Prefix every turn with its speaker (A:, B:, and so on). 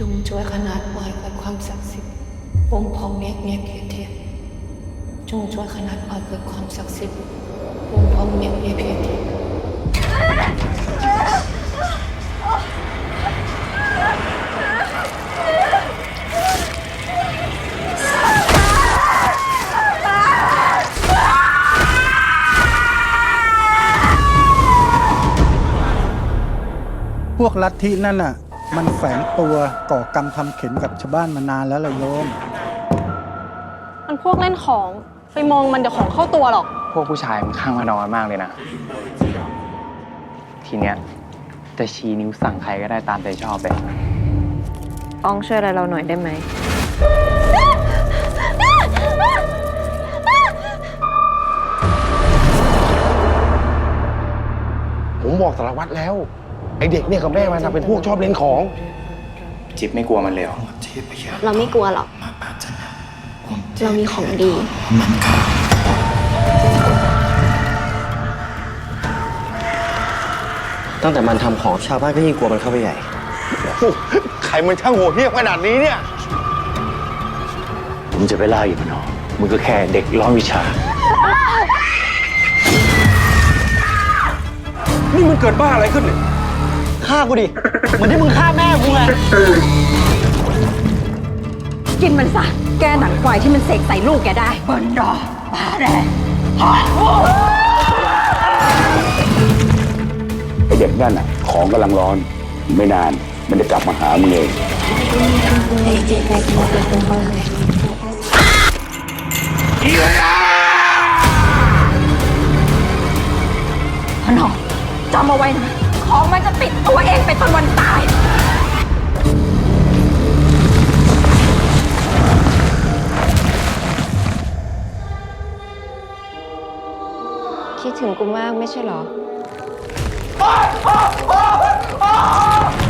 A: จงช่วยขนาดหมายเกิดความศักดิ์สิทธิ์วงพองเมียเพียเทียจงช่วยขนาดหมายเกิดความศักดิ์สิทธิ์วงพองเมียเพียเทีย
B: พวกลัทธินั่นน่ะมันแฝงตัวก่อกรรมทำเข็นกับชาวบ้านมานานแล้วล่ะโยม
C: มันพวกเล่นของไปมองมันเดี๋ยวของเข้าตัวหรอก
D: พวกผู้ชายมันข้างมานอนมากเลยนะ ทีเนี้ยจะชี้นิ้วสั่งใครก็ได้ตามใจชอบเลย
E: อองช่วยอะไรเราหน่อยได้ไหม
F: ผมบอกสารวัตรแล้ว ไอเด็กเนี่ยกับแม่มันนะเป็นพวกชอบเล่นของ
D: จิ๊บไม่กลัวมันเลยเหรอ
E: เราไม่กลัวหรอก เรามีของดี
G: ตั้งแต่มันทำของชาวบ้านก็ยิ่งกลัวมันเข้าไปใหญ่
F: ใครมันช่างโหดเหี้ยมขนาดนี้เนี่ย
H: มึงจะไปล่าอีกมันหรอมึงก็แค่เด็กร้อนวิชา
F: นี่มันเกิดบ้าอะไรขึ้นเนี่ย
G: ฆ่ากูดิ เหมือนที่มึงฆ่าแม่กูไง
I: กินมันซะ แกหนังควายที่มันเสกใส่ลูกแกได้บนดอปาแดง
H: ไอเด็กนั่นน่ะ ของกำลังร้อน ไม่นาน มันจะกลับมาหามึงเอง
I: พนอจำเอาไว้นะ ของมันจะติดตัวเองไปจนวันตาย
E: คิดถึงกูมากไม่ใช่เหรอ